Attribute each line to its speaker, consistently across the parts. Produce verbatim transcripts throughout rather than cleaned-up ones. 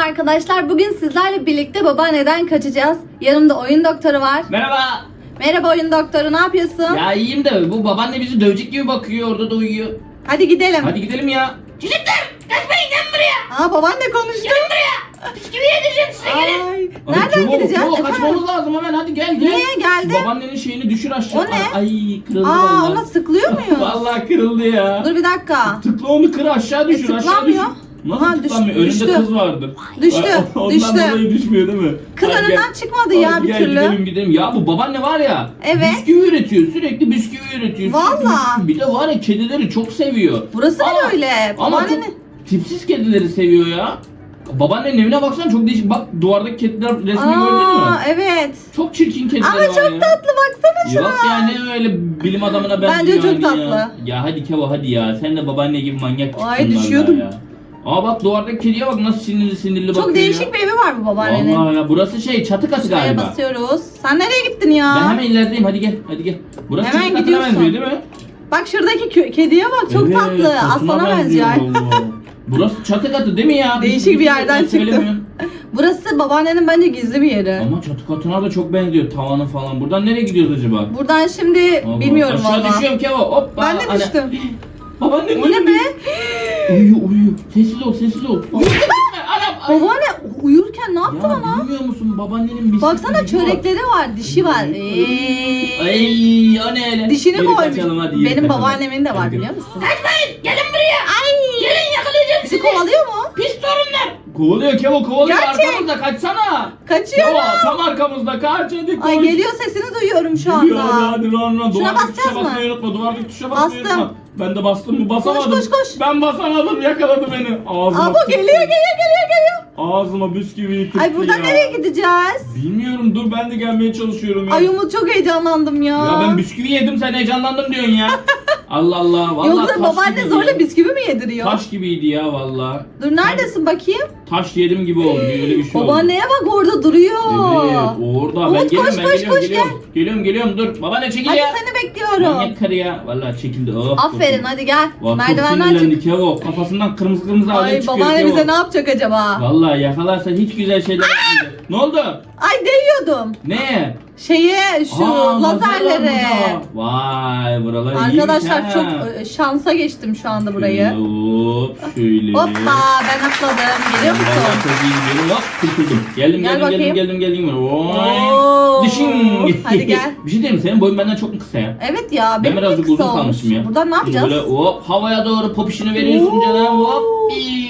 Speaker 1: arkadaşlar. Bugün sizlerle birlikte babaanneden kaçacağız. Yanımda oyun doktoru var.
Speaker 2: Merhaba.
Speaker 1: Merhaba oyun doktoru, ne yapıyorsun?
Speaker 2: Ya iyiyim de bu babaanne bizi dövecek gibi bakıyor, orada da uyuyor.
Speaker 1: Hadi gidelim.
Speaker 2: Hadi gidelim ya.
Speaker 3: Çocuklar kaçmayın, gelin buraya.
Speaker 1: Aa, babaanne konuştu.
Speaker 3: Gelin buraya. Bisküvi yedireceğim size, gelin.
Speaker 1: Ay,
Speaker 2: Hadi
Speaker 1: nereden
Speaker 2: çabuk,
Speaker 1: gideceğiz?
Speaker 2: çabuk,
Speaker 1: Efendim?
Speaker 2: kaçmamız lazım hemen, hadi gel gel.
Speaker 1: Niye geldi?
Speaker 2: Babaannenin şeyini düşür aşağı.
Speaker 1: O ne?
Speaker 2: Ay kırıldı
Speaker 1: Aa,
Speaker 2: vallahi.
Speaker 1: ona sıklıyor muyuz?
Speaker 2: Vallahi kırıldı ya.
Speaker 1: Dur bir dakika.
Speaker 2: Tıkla onu, kır aşağı düşür,
Speaker 1: E,
Speaker 2: aşağı düşür.
Speaker 1: tıklamıyor.
Speaker 2: Nasıl
Speaker 1: Ha,
Speaker 2: tıklanmıyor?
Speaker 1: düş-
Speaker 2: Önünde
Speaker 1: düştü.
Speaker 2: kız vardır.
Speaker 1: Düştü,
Speaker 2: Ay, Ondan
Speaker 1: düştü.
Speaker 2: dolayı düşmüyor değil mi?
Speaker 1: Kız
Speaker 2: Hadi
Speaker 1: önünden
Speaker 2: gel.
Speaker 1: çıkmadı ya
Speaker 2: Hadi
Speaker 1: bir
Speaker 2: gel,
Speaker 1: türlü.
Speaker 2: Gidelim gidelim. Ya bu babaanne var ya.
Speaker 1: Evet.
Speaker 2: Bisküvi üretiyor. Sürekli bisküvi üretiyor. sürekli
Speaker 1: Vallahi.
Speaker 2: bisküvi. Bir de var ya, kedileri çok seviyor.
Speaker 1: Burası da
Speaker 2: Ama-
Speaker 1: öyle.
Speaker 2: Ama
Speaker 1: Babaanne
Speaker 2: çok tipsiz kedileri seviyor ya. Babaannenin evine baksana, çok değişik. Bak duvardaki kediler resmi gördün mü?
Speaker 1: Aa, evet.
Speaker 2: Çok çirkin kediler
Speaker 1: Ama
Speaker 2: var
Speaker 1: çok
Speaker 2: ya.
Speaker 1: tatlı, baksana şuna.
Speaker 2: Yok ya, ne öyle bilim adamına benziyor
Speaker 1: Bence çok
Speaker 2: yani
Speaker 1: tatlı.
Speaker 2: Ya. ya hadi Kevo hadi ya. Sen de babaanne gibi manyak çıktın
Speaker 1: Ay,
Speaker 2: vallahi
Speaker 1: düşüyordum.
Speaker 2: ya. Aa bak, duvardaki kediye bak nasıl sinirli sinirli bakıyor
Speaker 1: Çok değişik
Speaker 2: ya.
Speaker 1: bir evi var bu babaannenin.
Speaker 2: Vallahi ya, burası şey, çatı katı
Speaker 1: Şuraya
Speaker 2: galiba.
Speaker 1: basıyoruz. Sen nereye gittin ya?
Speaker 2: Ben hemen ilerideyim, hadi gel hadi gel. Burası
Speaker 1: Hemen
Speaker 2: çatı katına
Speaker 1: gidiyorsun.
Speaker 2: benziyor değil mi?
Speaker 1: Bak şuradaki kö- kediye bak, çok
Speaker 2: Evet,
Speaker 1: tatlı.
Speaker 2: tasına
Speaker 1: Aslana benziyor.
Speaker 2: vallahi. Burası çatı katı değil mi ya?
Speaker 1: Değişik bir yerden
Speaker 2: Ben
Speaker 1: çıktı.
Speaker 2: söylemiyorum.
Speaker 1: Burası babaannenin bence gizli bir yeri.
Speaker 2: Ama çatı katına da çok benziyor, tavanı falan. Buradan nereye gidiyoruz acaba?
Speaker 1: Buradan şimdi
Speaker 2: Allah.
Speaker 1: bilmiyorum
Speaker 2: Aşağı
Speaker 1: valla.
Speaker 2: düşüyorum Kevo, hoppa.
Speaker 1: Ben de
Speaker 2: Ana-
Speaker 1: düştüm.
Speaker 2: Babaannem
Speaker 1: O ne be?
Speaker 2: Uyuyor uyuyor. Sessiz ol sessiz ol. Uyuyor. Anam. ay.
Speaker 1: Babaanne uyurken ne yaptı
Speaker 2: Ya
Speaker 1: bana?
Speaker 2: bilmiyor musun, babaannenin bir
Speaker 1: Baksana,
Speaker 2: sürprizi var.
Speaker 1: çörekleri var, dişi var. Eee.
Speaker 2: Ay o ne öyle?
Speaker 1: Dişini
Speaker 2: Yürü
Speaker 1: koymuş.
Speaker 2: kaçalım, hadi yürü
Speaker 1: Benim
Speaker 2: kaçalım.
Speaker 1: babaannemin de var,
Speaker 2: Hadi.
Speaker 1: biliyor musun?
Speaker 3: Kaçmayın, gelin buraya. Ay. Gelin, yakalayacağım
Speaker 1: Bizi
Speaker 3: sizi.
Speaker 1: kovalıyor mu?
Speaker 3: Pis torunlar.
Speaker 2: Kovalıyor Kevo, kovalıyor.
Speaker 1: Gerçek.
Speaker 2: Arkamızda, kaçsana.
Speaker 1: Kaçıyorum.
Speaker 2: Kevo tam arkamızda, kaç hadi koş.
Speaker 1: Ay, geliyor, sesini duyuyorum şu
Speaker 2: Geliyor, hadi
Speaker 1: anda.
Speaker 2: hadi run run.
Speaker 1: Şuna
Speaker 2: Duvardaki
Speaker 1: basacağız
Speaker 2: tuşa
Speaker 1: mı?
Speaker 2: basmayı unutma. Duvardaki tuşa basmayı
Speaker 1: Bastım.
Speaker 2: unutma. Ben de bastım mı basamadım.
Speaker 1: koş, koş.
Speaker 2: Ben basamadım, yakaladı beni. Ağzıma
Speaker 1: Aa, bu
Speaker 2: tıktı.
Speaker 1: geliyor geliyor geliyor geliyor.
Speaker 2: Ağzıma bisküviyi tıktı
Speaker 1: Ay, buradan
Speaker 2: ya.
Speaker 1: nereye gideceğiz?
Speaker 2: Bilmiyorum, dur ben de gelmeye çalışıyorum ya.
Speaker 1: Ay Umut, çok heyecanlandım ya.
Speaker 2: Ya ben bisküvi yedim, sen heyecanlandım diyorsun ya. Allah Allah, vallahi
Speaker 1: Yoksa
Speaker 2: taş
Speaker 1: babaanne
Speaker 2: gibiydi
Speaker 1: zorla
Speaker 2: ya.
Speaker 1: bisküvi mi yediriyor?
Speaker 2: Taş gibiydi ya vallahi.
Speaker 1: Dur, neredesin bakayım?
Speaker 2: Taş yedim gibi oldu, öyle bir şey oldu.
Speaker 1: Babaanneye bak, orada duruyor.
Speaker 2: Evet, orada. Ben
Speaker 1: Umut,
Speaker 2: geliyorum,
Speaker 1: koş,
Speaker 2: ben
Speaker 1: koş,
Speaker 2: geliyorum,
Speaker 1: koş,
Speaker 2: geliyorum. Geliyorum, geliyorum, dur. Babaanne çekil
Speaker 1: Hadi
Speaker 2: ya.
Speaker 1: seni bekliyorum.
Speaker 2: Manyak karı ya. Vallahi çekildi. Oh,
Speaker 1: Aferin,
Speaker 2: kurtuldum.
Speaker 1: hadi gel.
Speaker 2: Vallahi
Speaker 1: Merdivenden
Speaker 2: çok
Speaker 1: çık.
Speaker 2: sinirlendik ya o. Kafasından kırmızı kırmızı alev
Speaker 1: Ay,
Speaker 2: çıkıyor.
Speaker 1: babaanne
Speaker 2: ya
Speaker 1: bize
Speaker 2: o.
Speaker 1: ne yapacak acaba?
Speaker 2: Vallahi yakalarsa hiç güzel şeyler yapmayacak. Ne oldu?
Speaker 1: Ay, değiyordum.
Speaker 2: Ne?
Speaker 1: Şeye, şu
Speaker 2: Aa,
Speaker 1: lazerlere.
Speaker 2: lazerler burada. Vay, buralar
Speaker 1: Arkadaşlar
Speaker 2: iyiymiş
Speaker 1: çok
Speaker 2: ha.
Speaker 1: e, şansa geçtim şu anda burayı.
Speaker 2: Hop şöyle.
Speaker 1: Hoppa, ben atladım. Geliyor
Speaker 2: Vallahi
Speaker 1: musun?
Speaker 2: çok iyi gidiyorum. Hop kurtuldum. Geldim
Speaker 1: Gel
Speaker 2: geldim
Speaker 1: bakayım.
Speaker 2: geldim geldim geldim. Oy.
Speaker 1: Oo,
Speaker 2: Dişin.
Speaker 1: hadi gel.
Speaker 2: Bir şey diyeyim mi? Senin boyun benden çok mu kısa ya?
Speaker 1: Evet ya,
Speaker 2: Ben
Speaker 1: benim de
Speaker 2: birazcık
Speaker 1: kısa
Speaker 2: uzun
Speaker 1: olmuş.
Speaker 2: kalmışım ya.
Speaker 1: Buradan ne yapacağız?
Speaker 2: Böyle hop havaya doğru popişini veriyorsun
Speaker 1: Oo.
Speaker 2: canım. Hop.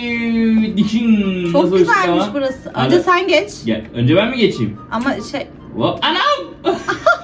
Speaker 2: iiii, Dişin.
Speaker 1: Çok
Speaker 2: Nasıl uçtu
Speaker 1: güzelmiş
Speaker 2: ama?
Speaker 1: burası.
Speaker 2: Hadi.
Speaker 1: Önce sen geç.
Speaker 2: Gel. Önce ben mi geçeyim?
Speaker 1: Ama şey,
Speaker 2: Hop. Anam.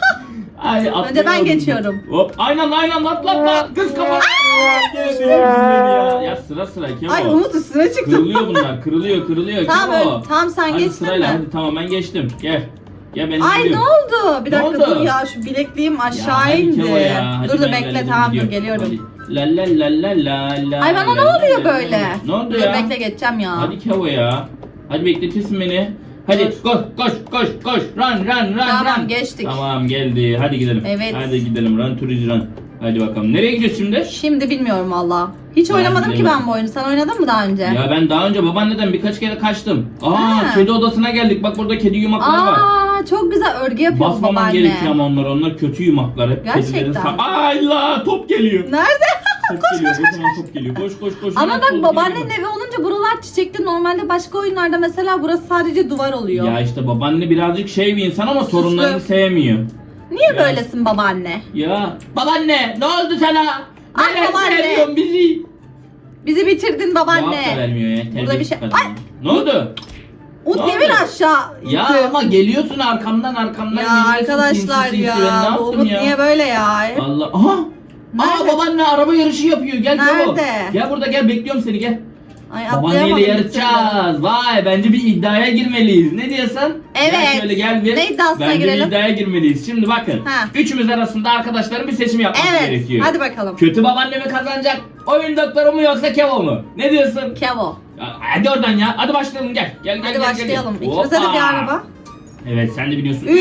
Speaker 2: Ay,
Speaker 1: önce ben
Speaker 2: atlayamadım.
Speaker 1: geçiyorum.
Speaker 2: Hop. Aynen aynen atla atla. Kız kafa. Geldi ya. Ya sıra sıra Kevo.
Speaker 1: Ay Umut, üstüne çıktım.
Speaker 2: Kırılıyor bunlar. Kırılıyor kırılıyor.
Speaker 1: Tamam,
Speaker 2: Kevo.
Speaker 1: öyle- tamam, sen
Speaker 2: Hadi
Speaker 1: geçtin
Speaker 2: sırayla,
Speaker 1: mi?
Speaker 2: hadi tamam ben geçtim. Gel. Gel ben
Speaker 1: Ay, ne
Speaker 2: gidiyorum.
Speaker 1: oldu? Bir
Speaker 2: Ne
Speaker 1: dakika
Speaker 2: oldu?
Speaker 1: dur ya, şu bilekliğim
Speaker 2: Ya
Speaker 1: aşağı
Speaker 2: hadi
Speaker 1: indi.
Speaker 2: Kevo ya, hadi
Speaker 1: Dur dur
Speaker 2: ben
Speaker 1: bekle,
Speaker 2: geldim,
Speaker 1: tamam dur,
Speaker 2: gidiyorum.
Speaker 1: geliyorum.
Speaker 2: Hadi. La la la la la la.
Speaker 1: Ay, bana ne
Speaker 2: la,
Speaker 1: oluyor
Speaker 2: la, la,
Speaker 1: böyle?
Speaker 2: la. Ne oldu
Speaker 1: Dur
Speaker 2: ya?
Speaker 1: bekle, geçeceğim ya.
Speaker 2: Hadi Kevo ya. Hadi bekletirsin beni. Hadi
Speaker 1: Dur.
Speaker 2: koş koş koş koş. Run run run
Speaker 1: Tamam,
Speaker 2: run.
Speaker 1: geçtik.
Speaker 2: Tamam geldi. Hadi gidelim.
Speaker 1: Evet.
Speaker 2: Hadi gidelim. Run turiz run. Hadi bakalım. Nereye gidiyoruz şimdi?
Speaker 1: Şimdi bilmiyorum valla. Hiç
Speaker 2: Ben
Speaker 1: oynamadım ki
Speaker 2: bilemedim.
Speaker 1: ben bu oyunu. Sen oynadın mı daha önce?
Speaker 2: Ya ben daha önce babaanneden birkaç kere kaçtım. Aa,
Speaker 1: Ha.
Speaker 2: kedi odasına geldik. Bak burada kedi yumakları var.
Speaker 1: Aa, çok güzel örgü yapıyor
Speaker 2: Basmaman
Speaker 1: babaanne.
Speaker 2: gerekiyor ama onlar. Onlar kötü yumaklar. Hep
Speaker 1: Gerçekten.
Speaker 2: kedilerin sa- Ay la, top geliyor.
Speaker 1: Nerede?
Speaker 2: Top geliyor. Kocaman top geliyor. Koş koş koş.
Speaker 1: Ama
Speaker 2: Hemen
Speaker 1: bak,
Speaker 2: top
Speaker 1: babaannenin
Speaker 2: geliyor.
Speaker 1: evi olunca buralar çiçekli. Normalde başka oyunlarda mesela burası sadece duvar oluyor.
Speaker 2: Ya işte babaanne birazcık şey bir insan ama torunlarını sevmiyor.
Speaker 1: Niye
Speaker 2: Ya.
Speaker 1: böylesin babaanne?
Speaker 2: Ya babaanne ne oldu sana?
Speaker 1: Ay,
Speaker 2: Neden
Speaker 1: babaanne.
Speaker 2: sevmiyorsun bizi?
Speaker 1: Bizi bitirdin
Speaker 2: Cevap da
Speaker 1: babaanne.
Speaker 2: vermiyor ya.
Speaker 1: Burada
Speaker 2: terbiyesiz
Speaker 1: bir şey-
Speaker 2: kadın.
Speaker 1: Ay.
Speaker 2: Ne oldu?
Speaker 1: Umut
Speaker 2: Ne
Speaker 1: niye
Speaker 2: oldu?
Speaker 1: beni aşağı itti?
Speaker 2: Ya ama geliyorsun arkamdan arkamdan
Speaker 1: Ya
Speaker 2: geliyorsun.
Speaker 1: arkadaşlar
Speaker 2: sinsi sinsi.
Speaker 1: ya.
Speaker 2: Ben ne
Speaker 1: Bu
Speaker 2: yaptım
Speaker 1: Umut
Speaker 2: ya?
Speaker 1: niye böyle ya?
Speaker 2: Allah. Aha. Aa,
Speaker 1: Nerede?
Speaker 2: babaanne araba yarışı yapıyor. Gel Kevo.
Speaker 1: Nerede?
Speaker 2: Gel burada gel, bekliyorum seni, gel.
Speaker 1: Ay,
Speaker 2: Babaanneyle
Speaker 1: atlayamadım bir
Speaker 2: yarışacağız. Vay, bence bir iddiaya girmeliyiz. Ne diyorsun?
Speaker 1: Evet.
Speaker 2: Gel şöyle gel bir.
Speaker 1: Ne iddiasına
Speaker 2: bence
Speaker 1: girelim?
Speaker 2: bir iddiaya girmeliyiz. Şimdi bakın.
Speaker 1: Ha.
Speaker 2: Üçümüz arasında arkadaşların bir seçim yapması
Speaker 1: Evet.
Speaker 2: gerekiyor.
Speaker 1: Hadi bakalım.
Speaker 2: Kötü babaanne mi kazanacak? Oyun doktoru mu yoksa Kevo mu? Ne diyorsun?
Speaker 1: Kevo.
Speaker 2: Ya, hadi oradan ya. Hadi başlayalım, gel. Gel gel
Speaker 1: Hadi
Speaker 2: gel.
Speaker 1: başlayalım.
Speaker 2: Gel.
Speaker 1: İkimize de bir
Speaker 2: Hoppa.
Speaker 1: araba.
Speaker 2: Evet, sen de biliyorsun.
Speaker 1: Üç,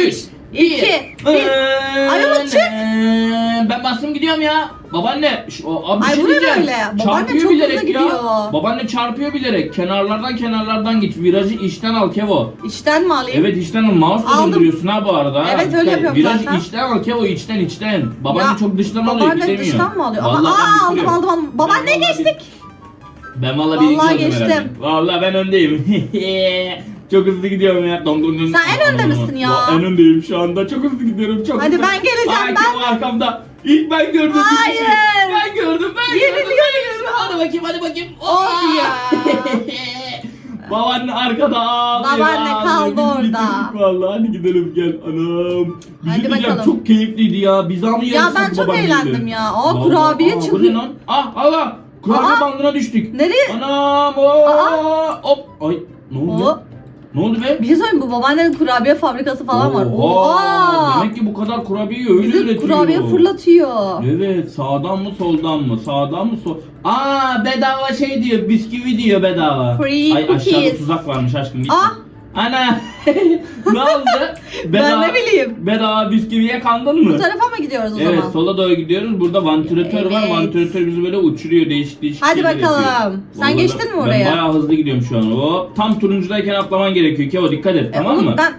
Speaker 1: iki, bir. Ay ama çık.
Speaker 2: Ben bastım gidiyorum ya. Babaanne. Şu, o, abi bir
Speaker 1: Ay,
Speaker 2: şey
Speaker 1: bu ne
Speaker 2: diyeceğim.
Speaker 1: böyle? Babaanne
Speaker 2: Çarpıyor
Speaker 1: çok hızlı
Speaker 2: bilerek ya.
Speaker 1: gidiyor.
Speaker 2: Babaanne çarpıyor bilerek. Kenarlardan kenarlardan git. Virajı içten al Kevo.
Speaker 1: İçten mi alayım?
Speaker 2: Evet içten al. Mouse'la
Speaker 1: Aldım.
Speaker 2: döndürüyorsun ha bu arada. ha.
Speaker 1: Evet, öyle
Speaker 2: Dikkat-
Speaker 1: yapıyorum
Speaker 2: Virajı
Speaker 1: zaten.
Speaker 2: içten al Kevo, içten içten. Babaanne
Speaker 1: Ya,
Speaker 2: çok dıştan alıyor,
Speaker 1: Babaanne
Speaker 2: gidemiyor.
Speaker 1: dıştan mı alıyor?
Speaker 2: Vallahi
Speaker 1: Ama
Speaker 2: ben
Speaker 1: aa, aldım
Speaker 2: bitiriyorum.
Speaker 1: aldım aldım. Babaanne
Speaker 2: Ben vallahi
Speaker 1: geçtik.
Speaker 2: Ben vallahi birinci
Speaker 1: Vallahi
Speaker 2: oldum
Speaker 1: geçtim.
Speaker 2: herhalde. Vallahi ben öndeyim. Çok hızlı gidiyorum ya. Dom dom dom.
Speaker 1: Sen en önde misin ya?
Speaker 2: Va- En öndeyim şu anda. Çok hızlı gidiyorum. Çok
Speaker 1: Hadi
Speaker 2: hızlı.
Speaker 1: ben geleceğim,
Speaker 2: Ay,
Speaker 1: ben-
Speaker 2: Kevo arkamda. İlk ben gördüm.
Speaker 1: Hayır.
Speaker 2: Ben gördüm. Ben gördüm.
Speaker 1: Yeniliyorum.
Speaker 2: Ben gördüm. Hadi bakayım hadi bakayım.
Speaker 1: Of ya.
Speaker 2: Babaanne arkada ağlıyor.
Speaker 1: Babaanne kaldı
Speaker 2: Biz
Speaker 1: orada.
Speaker 2: bitirdik Vallahi hadi gidelim gel anam. Bir
Speaker 1: Hadi
Speaker 2: şey diyeceğim,
Speaker 1: bakalım.
Speaker 2: çok keyifliydi ya. Biz ama
Speaker 1: Ya ben çok eğlendim ya. Aa, kurabiye
Speaker 2: Bu ne
Speaker 1: çıkıyor.
Speaker 2: lan? Ah Allah. Kurabiye
Speaker 1: Aa.
Speaker 2: bandına düştük.
Speaker 1: Nereye?
Speaker 2: Anam o. Hop. Ay ne oldu?
Speaker 1: O.
Speaker 2: Ne oldu be?
Speaker 1: Bir şey söyleyeyim, bu babaannenin kurabiye fabrikası falan var.
Speaker 2: Oha,
Speaker 1: Oha.
Speaker 2: Demek ki bu kadar kurabiyeyi öyle
Speaker 1: Bizi
Speaker 2: üretiyor.
Speaker 1: kurabiye fırlatıyor.
Speaker 2: Evet, sağdan mı soldan mı? Sağdan mı sol? Aa, bedava şey diyor, bisküvi diyor bedava.
Speaker 1: Free
Speaker 2: Ay aşağıda
Speaker 1: cookies.
Speaker 2: tuzak varmış aşkım git.
Speaker 1: Ah.
Speaker 2: Ana. Ne oldu?
Speaker 1: Ben ne bileyim.
Speaker 2: Bedava bisküviye kandın mı?
Speaker 1: Bu tarafa mı gidiyoruz o
Speaker 2: Evet,
Speaker 1: zaman?
Speaker 2: sola doğru gidiyoruz. Burada vantilatör var.
Speaker 1: Evet.
Speaker 2: Vantilatör bizi böyle uçuruyor, değişik değişik
Speaker 1: Hadi
Speaker 2: şeyler
Speaker 1: bakalım.
Speaker 2: yapıyor.
Speaker 1: Sen
Speaker 2: Vallahi
Speaker 1: geçtin
Speaker 2: ben-
Speaker 1: mi oraya?
Speaker 2: Ben bayağı hızlı gidiyorum şu an. O tam turuncudayken atlaman gerekiyor. Kevo dikkat et,
Speaker 1: E,
Speaker 2: tamam
Speaker 1: oğlum
Speaker 2: mı?
Speaker 1: Ben,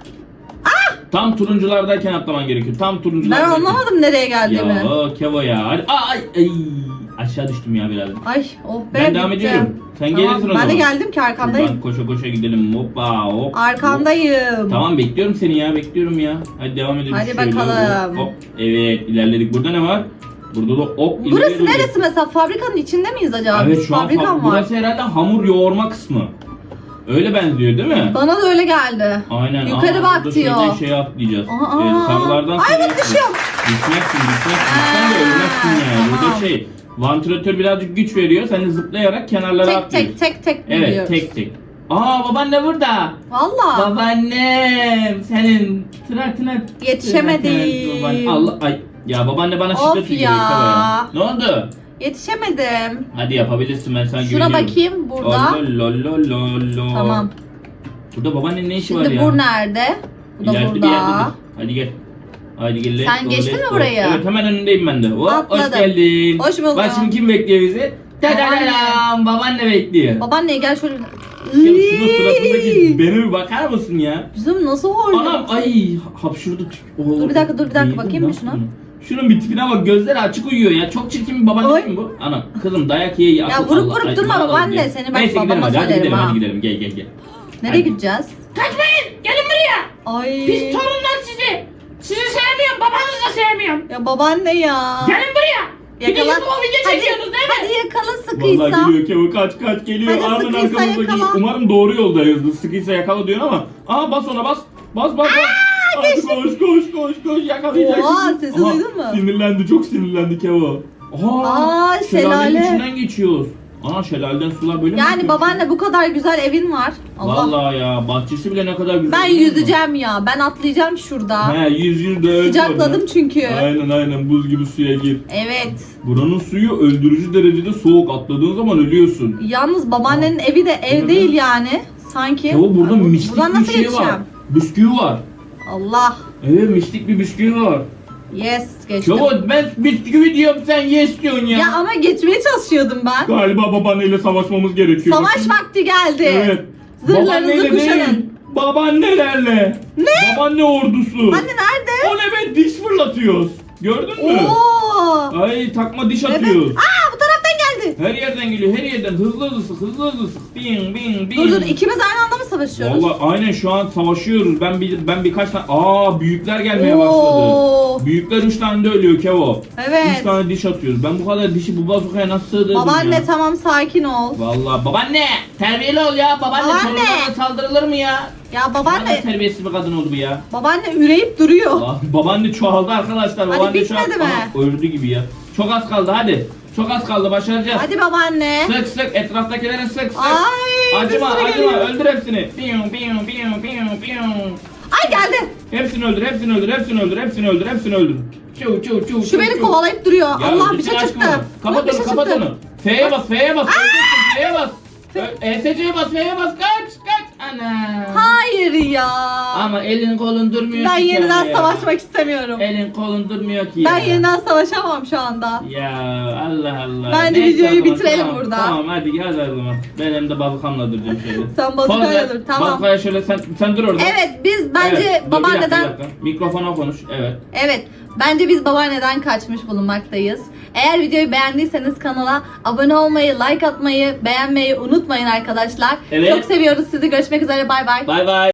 Speaker 2: Tam turunculardayken atlaman gerekiyor. Tam
Speaker 1: ben
Speaker 2: turunculardayken.
Speaker 1: anlamadım nereye geldiğimi.
Speaker 2: Ya o Kevo ya. Hadi ay ay aşağı düştüm ya biraz.
Speaker 1: Ay oh be,
Speaker 2: Ben devam
Speaker 1: bitti.
Speaker 2: ediyorum. Sen
Speaker 1: Tamam,
Speaker 2: gelirsin o zaman.
Speaker 1: Ben de geldim ki arkandayım.
Speaker 2: Ben koşa koşa gidelim. Hoppa hop.
Speaker 1: Arkandayım.
Speaker 2: Tamam bekliyorum seni ya bekliyorum ya. Hadi devam edelim.
Speaker 1: Hadi
Speaker 2: şöyle.
Speaker 1: bakalım.
Speaker 2: Hop. Evet ilerledik. Burada ne var? Burada da hop. ileriye
Speaker 1: Burası
Speaker 2: doğru.
Speaker 1: neresi mesela? Fabrikanın içinde miyiz acaba?
Speaker 2: Evet şu an
Speaker 1: Fabrikan
Speaker 2: fa-
Speaker 1: var.
Speaker 2: burası herhalde hamur yoğurma kısmı. Öyle benziyor değil mi?
Speaker 1: Bana da öyle geldi.
Speaker 2: Aynen.
Speaker 1: Yukarı
Speaker 2: Aa,
Speaker 1: bak
Speaker 2: burada
Speaker 1: diyor.
Speaker 2: şöyle şey atlayacağız.
Speaker 1: Aa,
Speaker 2: Ee,
Speaker 1: aa.
Speaker 2: sarılardan
Speaker 1: Ay,
Speaker 2: sarıya
Speaker 1: bak düşüyorum.
Speaker 2: Düşmezsin düşmezsin. Sen de
Speaker 1: Aa,
Speaker 2: ölmezsin yani.
Speaker 1: tamam.
Speaker 2: Burada şey vantilatör birazcık güç veriyor. Sen de zıplayarak kenarlara
Speaker 1: Tek
Speaker 2: atlıyorsun.
Speaker 1: tek tek tek
Speaker 2: Evet
Speaker 1: gidiyoruz.
Speaker 2: tek tek. Aa babaanne burada.
Speaker 1: Valla.
Speaker 2: Babaannem senin tırak tırak.
Speaker 1: Yetişemedim.
Speaker 2: Babaanne- Allah ay. Ya babaanne bana
Speaker 1: Of
Speaker 2: şiddet
Speaker 1: ya.
Speaker 2: uyguluyor ya. Ne oldu?
Speaker 1: Yetişemedim.
Speaker 2: Hadi yapabilirsin ben sana
Speaker 1: Şuna
Speaker 2: güveniyorum.
Speaker 1: bakayım burada.
Speaker 2: Olololololo.
Speaker 1: Tamam.
Speaker 2: Burada babaannenin ne işi var
Speaker 1: Şimdi
Speaker 2: ya?
Speaker 1: bu nerede? Bu da
Speaker 2: İleride bir
Speaker 1: burada.
Speaker 2: yerdedir. Hadi gel. Hadi gel. let's
Speaker 1: Sen
Speaker 2: go,
Speaker 1: geçtin
Speaker 2: let's
Speaker 1: mi
Speaker 2: go.
Speaker 1: burayı?
Speaker 2: Evet hemen önündeyim ben de. Hop, hoş
Speaker 1: Atladım.
Speaker 2: geldin.
Speaker 1: Hoş bulduk.
Speaker 2: Bak şimdi kim bekliyor bizi? Tadadam, babaanne bekliyor.
Speaker 1: Babaanne gel şöyle.
Speaker 2: Ya şunun suratındaki beni bir bakar mısın ya?
Speaker 1: Bizim nasıl horluyor?
Speaker 2: Anam ay hapşurdu. Oo,
Speaker 1: Dur bir dakika, dur bir dakika,
Speaker 2: değdi,
Speaker 1: bakayım
Speaker 2: ne
Speaker 1: mı şuna?
Speaker 2: yaptın? Şunun bir tipine bak, gözleri açık uyuyor ya. Çok çirkin bir babaanne
Speaker 1: Oy.
Speaker 2: değil mi bu? Anam kızım dayak ye ye. akıl
Speaker 1: vurup
Speaker 2: Allah.
Speaker 1: vurup
Speaker 2: Ay,
Speaker 1: durma
Speaker 2: ne yapalım
Speaker 1: babaanne,
Speaker 2: ya?
Speaker 1: seni ben
Speaker 2: Neyse gidelim
Speaker 1: babama
Speaker 2: hadi, hadi
Speaker 1: söylerim
Speaker 2: gidelim
Speaker 1: ha.
Speaker 2: hadi gidelim gel gel gel.
Speaker 1: Nereye
Speaker 2: Hadi.
Speaker 1: gideceğiz?
Speaker 3: Kaçmayın. Gelin buraya.
Speaker 1: Ay.
Speaker 3: Biz torunlar sizi. Sizi sevmiyorum. Babanızı da sevmiyorum.
Speaker 1: Ya babaanne ya.
Speaker 3: Gelin buraya. Bir de
Speaker 1: Yakala.
Speaker 3: YouTube'a video
Speaker 1: Hadi,
Speaker 3: çekiyorsunuz değil mi?
Speaker 1: hadi yakala sıkıysa.
Speaker 2: Vallahi geliyor Kevo, kaç kaç geliyor.
Speaker 1: Hadi
Speaker 2: Ardın
Speaker 1: sıkıysa
Speaker 2: arkamızda
Speaker 1: yakala.
Speaker 2: geliyor. Umarım doğru yoldayızdır. Sıkıysa yakala diyor ama. Aa bas ona bas. Bas bas bas. Hadi koş koş koş koş yakalayacak.
Speaker 1: Oha,
Speaker 2: bizi.
Speaker 1: sesi
Speaker 2: Aha,
Speaker 1: duydun mu?
Speaker 2: Sinirlendi, çok sinirlendi Kevo. Aa,
Speaker 1: Aa,
Speaker 2: şelalenin
Speaker 1: şelale.
Speaker 2: içinden geçiyoruz. Aa şelaleden sular böyle mi
Speaker 1: Yani
Speaker 2: akıyor?
Speaker 1: babaanne bu kadar güzel evin var. Allah.
Speaker 2: Vallahi ya bahçesi bile ne kadar güzel.
Speaker 1: Ben
Speaker 2: biliyor musun?
Speaker 1: yüzeceğim ya. Ben atlayacağım şurada.
Speaker 2: He yüz yüz de öyle.
Speaker 1: Sıcakladım çünkü.
Speaker 2: Aynen aynen buz gibi suya gir.
Speaker 1: Evet.
Speaker 2: Buranın suyu öldürücü derecede soğuk. Atladığın zaman ölüyorsun.
Speaker 1: Yalnız babaannenin evi de ev
Speaker 2: Evet.
Speaker 1: değil yani. Sanki.
Speaker 2: Kevo burada
Speaker 1: Ay, bu-
Speaker 2: mistik
Speaker 1: buradan
Speaker 2: bir
Speaker 1: nasıl
Speaker 2: şey
Speaker 1: geçeceğim?
Speaker 2: var. Bisküvi var.
Speaker 1: Allah.
Speaker 2: Evet mistik bir bisküvi var.
Speaker 1: Yes geçtim.
Speaker 2: Kevo ben bisküvi diyorum sen yes diyorsun ya.
Speaker 1: Ya ama geçmeye çalışıyordum ben.
Speaker 2: Galiba babaanneyle savaşmamız gerekiyor.
Speaker 1: Savaş vakti geldi.
Speaker 2: Evet.
Speaker 1: Zırhlarınızı
Speaker 2: Babaanneyle
Speaker 1: kuşanın.
Speaker 2: değil, babaannelerle.
Speaker 1: Ne?
Speaker 2: Babaanne ordusu.
Speaker 1: Anne nerede?
Speaker 2: O ne be diş fırlatıyoruz. Gördün mü?
Speaker 1: Oo.
Speaker 2: Ay takma diş
Speaker 1: Evet.
Speaker 2: atıyoruz.
Speaker 1: Aa bu taraftan geldi.
Speaker 2: Her yerden geliyor, her yerden hızlı hızlı sık, hızlı hızlı sık. Bing bing bing.
Speaker 1: Dur dur ikimiz aynı anda mı savaşıyoruz?
Speaker 2: Vallahi aynen şu an savaşıyoruz. Ben bir ben birkaç tane aa büyükler gelmeye
Speaker 1: Oo.
Speaker 2: başladı. Büyükler üç tane de ölüyor Kevo.
Speaker 1: Evet.
Speaker 2: Üç tane diş atıyoruz. Ben bu kadar dişi bu bazukaya nasıl sığdırdım
Speaker 1: Babaanne
Speaker 2: ya?
Speaker 1: tamam sakin ol.
Speaker 2: Vallahi babaanne terbiyeli ol ya. Babaanne,
Speaker 1: Babaanne.
Speaker 2: torunlarına saldırılır mı ya?
Speaker 1: Ya
Speaker 2: Babaanne
Speaker 1: babaanne
Speaker 2: terbiyesiz bir kadın oldu bu ya.
Speaker 1: babaanne üreyip duruyor.
Speaker 2: Aa, babaanne çoğaldı arkadaşlar.
Speaker 1: Hadi
Speaker 2: Babaanne
Speaker 1: bitmedi
Speaker 2: çoğaldı.
Speaker 1: mi?
Speaker 2: Aha, öldü gibi ya. Çok az kaldı hadi. Çok az kaldı başaracağız.
Speaker 1: Hadi babaanne.
Speaker 2: Sık sık etraftakilere sık sık.
Speaker 1: Ay
Speaker 2: Acıma
Speaker 1: bir sürü
Speaker 2: acıma
Speaker 1: geliyor.
Speaker 2: öldür hepsini. Piyum piyum piyum piyum piyum.
Speaker 1: Ay geldi.
Speaker 2: Hepsini öldür, hepsini öldür, hepsini öldür, hepsini öldür, hepsini öldür. Çu çu çu
Speaker 1: Şu
Speaker 2: çu,
Speaker 1: beni
Speaker 2: çu.
Speaker 1: kovalayıp duruyor.
Speaker 2: Ya
Speaker 1: Allah bir
Speaker 2: öldürsene
Speaker 1: şey
Speaker 2: aşkım
Speaker 1: çıktı.
Speaker 2: onu. Kapat
Speaker 1: Allah, bir
Speaker 2: onu,
Speaker 1: şey
Speaker 2: kapat
Speaker 1: çıktı.
Speaker 2: onu. F'ye bas, F'ye bas, öleceksin, F'ye bas. Ö- E S C'ye bas, F'ye bas, kaç, kaç.
Speaker 3: Ana.
Speaker 1: Hayır ya.
Speaker 2: Ama elin kolun durmuyor
Speaker 1: Ben
Speaker 2: ki
Speaker 1: yeniden
Speaker 2: ya.
Speaker 1: savaşmak istemiyorum.
Speaker 2: Elin kolun durmuyor ki
Speaker 1: Ben
Speaker 2: ya.
Speaker 1: yeniden savaşamam şu anda.
Speaker 2: Ya Allah Allah.
Speaker 1: Bence
Speaker 2: Neyse
Speaker 1: videoyu
Speaker 2: o zaman,
Speaker 1: bitirelim
Speaker 2: tamam,
Speaker 1: burada.
Speaker 2: Tamam hadi hadi o zaman. Ben elimde bazukamla duracağım şöyle.
Speaker 1: Sen bazukayla
Speaker 2: Poz ver.
Speaker 1: dur, tamam.
Speaker 2: Bazukaya şöyle sen, sen dur orada.
Speaker 1: Evet biz bence
Speaker 2: Evet, dur, bir dakika,
Speaker 1: babaanneden...
Speaker 2: bir dakika. Mikrofona konuş. Evet.
Speaker 1: Evet, bence biz babaanneden kaçmış bulunmaktayız. Eğer videoyu beğendiyseniz kanala abone olmayı, like atmayı, beğenmeyi unutmayın arkadaşlar.
Speaker 2: Evet.
Speaker 1: Çok seviyoruz sizi. Görüşmek üzere. Bay bay.
Speaker 2: Bay bay.